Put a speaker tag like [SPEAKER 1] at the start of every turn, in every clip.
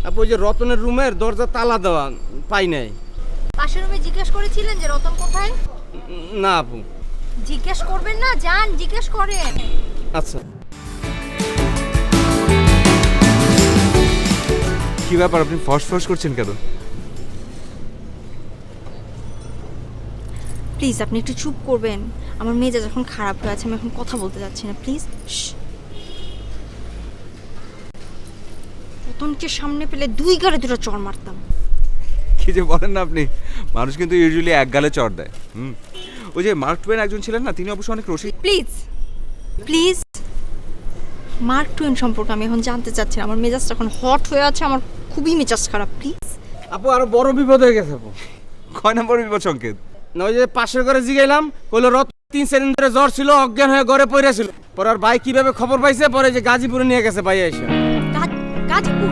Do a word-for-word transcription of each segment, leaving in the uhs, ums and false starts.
[SPEAKER 1] আপু ওই যে রতনের রুমের দরজা তালা দেওয়া, পাই নাই।
[SPEAKER 2] পাশের রুমে জিজ্ঞেস করেছিলেন যে রতন কোথায়?
[SPEAKER 1] না আপু।
[SPEAKER 2] জিজ্ঞেস করবেন না, যান জিজ্ঞেস করেন।
[SPEAKER 1] আচ্ছা।
[SPEAKER 3] কি ব্যাপার, আপনি ফস ফস করছেন কেন?
[SPEAKER 2] প্লিজ আপনি একটু চুপ করবেন। আমার মেজাজ যখন খারাপ হয়ে আছে, আমি এখন কথা বলতে যাচ্ছি না, প্লিজ। রতনকে সামনে পেলে দুই গালে দুটো চড় মারতাম।
[SPEAKER 3] কি যে বলেন না আপনি, মানুষ কিন্তু ইউজুয়ালি এক গালে চড় দেয়। হুম, ওই যে মার্ক টুয়েন একজন ছিলেন না, তিনি অবশ্য অনেক রসিক।
[SPEAKER 2] প্লিজ প্লিজ মার্ক টুয়েন সম্পর্কে আমি এখন জানতে চাচ্ছি না। আমার মেজাজটা এখন হট হয়ে আছে, আমার খুবই মেজাজ খারাপ, প্লিজ।
[SPEAKER 1] আপু আরো বড় বিপদ হয়ে গেছে আপু।
[SPEAKER 3] কয় নম্বর বিপদ সংকেত?
[SPEAKER 1] না ওই যে পাশের ঘরে জিগাইলাম, কইলো রত তিন চার দিন ধরে জ্বর ছিল, অজ্ঞান হয়ে ঘরে পড়েছিল। পরে আর ভাই কিভাবে খবর পাইছে, পরে যে গাজীপুরে নিয়ে গেছে ভাই এসে।
[SPEAKER 2] গা- গাজীপুর?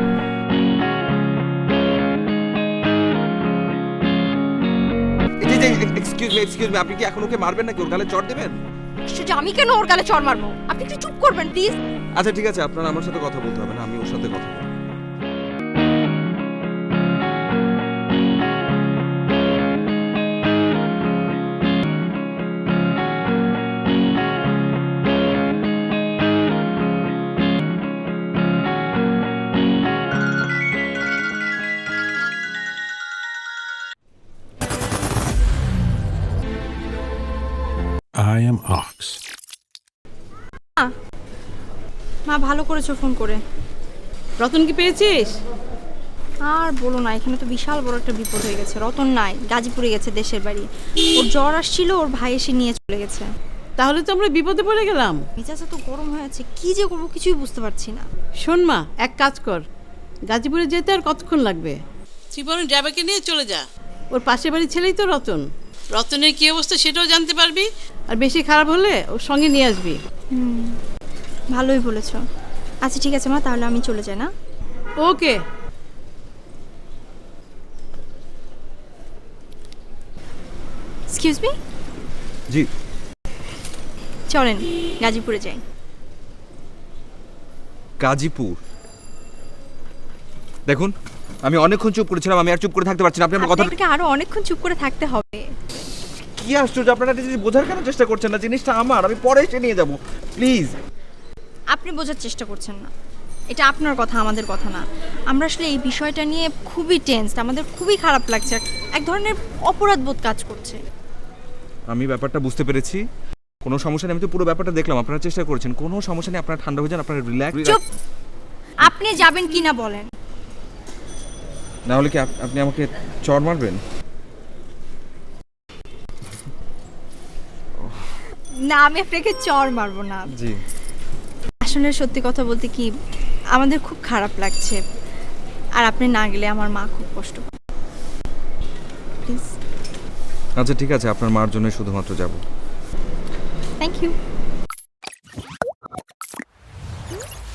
[SPEAKER 3] এই যে এক্সকিউজ মি এক্সকিউজ মি আপনি কি এখন ওকে মারবেন নাকি ওর গালে চড় দেবেন?
[SPEAKER 2] আশ্চর্য, আমি কেন ওর গালে চড় মারবো? আপনি একটু চুপ করবেন প্লিজ।
[SPEAKER 3] আচ্ছা ঠিক আছে, আপনার আমার সাথে কথা বলতে হবে না, আমি ওর সাথে কথা বলবো।
[SPEAKER 4] I am Ox.
[SPEAKER 2] মা ভালো করেছো ফোন করে।
[SPEAKER 5] রতন কি পেয়েছিস?
[SPEAKER 2] আর বলো না, এখানে তো বিশাল বড় একটা বিপদ হয়ে গেছে। রতন নাই, গাজীপুরে গেছে দেশের বাড়ি। ওর জ্বর আসছিল, ওর ভাই এসে নিয়ে চলে গেছে।
[SPEAKER 5] তাহলে তো আমরা বিপদে পড়ে গেলাম।
[SPEAKER 2] মেজাজ তো গরম হয়ে আছে, কি যে করবো কিছুই বুঝতে পারছি না।
[SPEAKER 5] শোন মা, এক কাজ কর, গাজীপুরে যেতে আর কতক্ষণ লাগবে?
[SPEAKER 6] জীবনের ড্রাইভারকে নিয়ে চলে যা।
[SPEAKER 5] ওর পাশের বাড়ির ছেলেই তো রতন।
[SPEAKER 6] রতনের কি অবস্থা সেটাও জানতে পারবি।
[SPEAKER 5] আর বেশি খারাপ হলে ওর সঙ্গে নিয়ে আসবি।
[SPEAKER 2] হুম, ভালোই বলেছো। আচ্ছা ঠিক আছে মা, তাহলে আমি চলে যাই না?
[SPEAKER 5] ওকে।
[SPEAKER 2] Excuse me.
[SPEAKER 3] জি।
[SPEAKER 2] চলেন গাজীপুরে যাই।
[SPEAKER 3] গাজীপুর? দেখুন, আমি অনেকক্ষণ চুপ করেছিলাম, আমি আর চুপ করে থাকতে পারছি না। আপনি আমার কথা
[SPEAKER 2] আপনাকে আরো অনেকক্ষণ চুপ করে থাকতে হবে।
[SPEAKER 3] কি আশ্চর্য, আপনারা এটা যদি বোঝার কেন চেষ্টা করছেন না? জিনিসটা আমার, আমি পরে এসে নিয়ে যাব, প্লিজ।
[SPEAKER 2] আপনি বোঝার চেষ্টা করছেন না, এটা আপনার কথা, আমাদের কথা না। আমরা আসলে এই বিষয়টা নিয়ে খুবই টেনসড, আমাদের খুবই খারাপ লাগছে, এক ধরনের অপরাধ বোধ কাজ করছে।
[SPEAKER 3] আমি ব্যাপারটা বুঝতে পেরেছি, কোনো সমস্যা নেই। আমি তো পুরো ব্যাপারটা দেখলাম, আপনারা চেষ্টা করেছেন, কোনো সমস্যা নেই। আপনারা ঠান্ডা হয়ে যান, আপনারা রিল্যাক্স।
[SPEAKER 2] চুপ! আপনি যাবেন কি না বলেন।
[SPEAKER 3] না হলে কি আপ- আপনি আমাকে চড় মারবেন?
[SPEAKER 2] না, আমি আপনাকে চড় মারবো না।
[SPEAKER 3] জি।
[SPEAKER 2] আসলে সত্যি কথা বলতে কি, আমাদের খুব খারাপ লাগছে, আর আপনি না গেলে আমার মা খুব কষ্ট পাবে। প্লিজ।
[SPEAKER 3] আচ্ছা ঠিক আছে, আপনার মার জন্য শুধুমাত্র যাব।
[SPEAKER 2] Thank you.